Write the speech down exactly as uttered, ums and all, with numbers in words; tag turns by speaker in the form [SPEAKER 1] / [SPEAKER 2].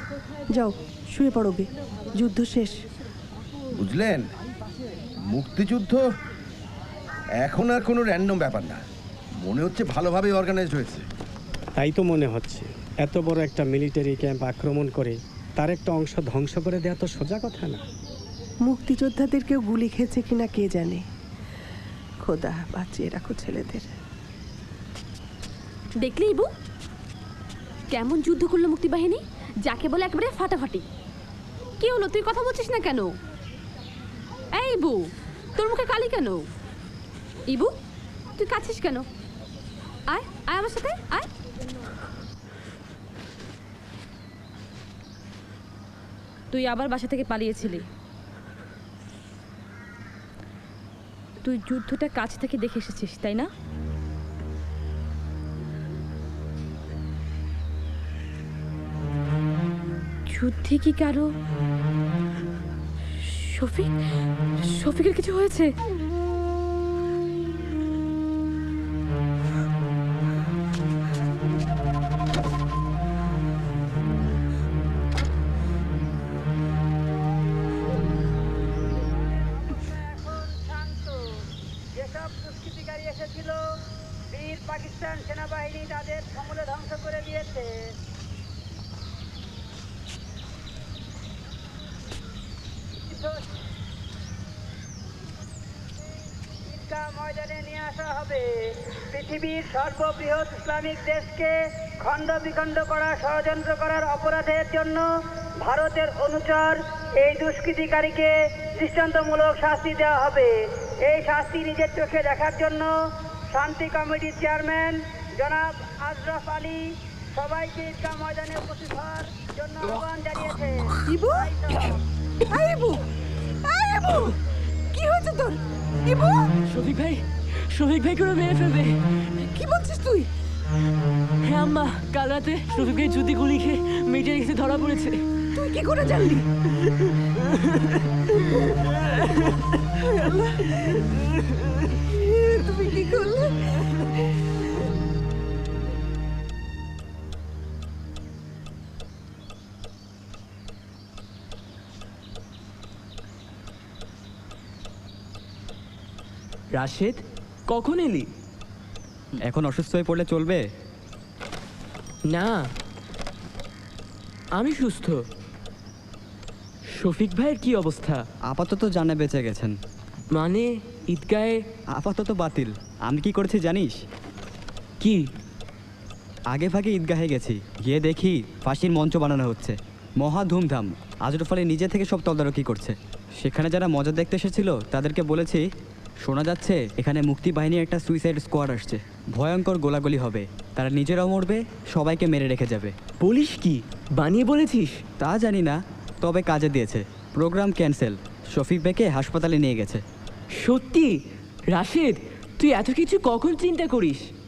[SPEAKER 1] যাও শুয়ে পড়বে, যুদ্ধ শেষ।
[SPEAKER 2] বুঝলেন, মুক্তিযুদ্ধ এখন আর কোনো র্যান্ডম ব্যাপার না, মনে হচ্ছে ভালোভাবে অর্গানাইজড হয়েছে।
[SPEAKER 3] তাই তো মনে হচ্ছে। এত বড় একটা মিলিটারি ক্যাম্প আক্রমণ করে তার একটা অংশ ধ্বংস করে দেওয়া তো সোজা কথা না।
[SPEAKER 1] মুক্তিযোদ্ধাদের কেউ গুলি খেয়েছে কিনা কে জানে। খোদা বাঁচিয়ে রাখো ছেলেদের।
[SPEAKER 4] দেখলি ইবু কেমন যুদ্ধ করলো মুক্তিবাহিনী, যাকে বলে একেবারে ফাটাফাটি। কি হলো, তুই কথা বলছিস না কেন? এই ইবু, তোর মুখে কালি কেন? ইবু তুই কাছিস কেন? আয় আয় আমার সাথে আয়। তুই আবার বাসা থেকে পালিয়েছিলি। তুই যুদ্ধটা কাছ থেকে দেখে এসেছিস তাই না? যুদ্ধে কি কারো শফিক শফিকের কিছু হয়েছে?
[SPEAKER 5] যেসব দুষ্কৃতিকারী এসেছিল, বীর পাকিস্তান সেনাবাহিনী তাদের সমূলে ধ্বংস করে দিয়েছে। ঈদগাহ ময়দানে নিয়ে আসা হবে। পৃথিবীর সর্ববৃহৎ ইসলামিক দেশকে খণ্ড বিখণ্ড করা ষড়যন্ত্র করার অপরাধের জন্য ভারতের অনুচর এই দুষ্কৃতিকারীকে দৃষ্টান্তমূলক শাস্তি দেওয়া হবে। এই শাস্তি নিজের চোখে দেখার জন্য শান্তি কমিটির চেয়ারম্যান জনাব আশরাফ আলী সবাইকে ঈদগাহ ময়দানে উপস্থিত হওয়ার জন্য আহ্বান জানিয়েছে।
[SPEAKER 1] ইবু, আয় ইবু, আয় ইবু, কি হয়েছে তোর? ইবু,
[SPEAKER 6] শফিক ভাই, শফিক ভাই করে মেরে ফেলবে।
[SPEAKER 1] কি বলছিস তুই?
[SPEAKER 6] হ্যাঁ আম্মা, কাল রাতে শফিক ভাই জুতি গুলি খেয়ে মেয়েটার কাছে ধরা পড়েছে।
[SPEAKER 1] তুই কি করে জানলি? তুমি কি করলে?
[SPEAKER 6] রাশেদ, কখন এলি?
[SPEAKER 7] এখন অসুস্থ হয়ে পড়লে চলবে
[SPEAKER 6] না, আমি সুস্থ। শফিক ভাইয়ের কি অবস্থা?
[SPEAKER 7] আপাতত জানে বেঁচে গেছেন।
[SPEAKER 6] মানে ঈদগাহে?
[SPEAKER 7] আপাতত বাতিল। আমি কি করেছি জানিস?
[SPEAKER 6] কি?
[SPEAKER 7] আগে ভাগে ঈদগাহে গেছি, গিয়ে দেখি ফাঁসির মঞ্চ বানানো হচ্ছে, মহা ধুমধাম। আজরফ আলী নিজে থেকে সব তদারকি করছে। সেখানে যারা মজা দেখতে এসেছিল তাদেরকে বলেছি, শোনা যাচ্ছে এখানে মুক্তি বাহিনীর একটা সুইসাইড স্কোয়াড আসছে, ভয়ঙ্কর গোলাগুলি হবে, তারা নিজেরাও মরবে, সবাইকে মেরে রেখে যাবে।
[SPEAKER 6] বলিস কি? বানিয়ে বলেছিস?
[SPEAKER 7] তা জানি না, তবে কাজে দিয়েছে। প্রোগ্রাম ক্যান্সেল, শফিক ভাইকে হাসপাতালে নিয়ে গেছে।
[SPEAKER 6] সত্যি? রাশেদ, তুই এত কিছু কখন চিন্তা করিস?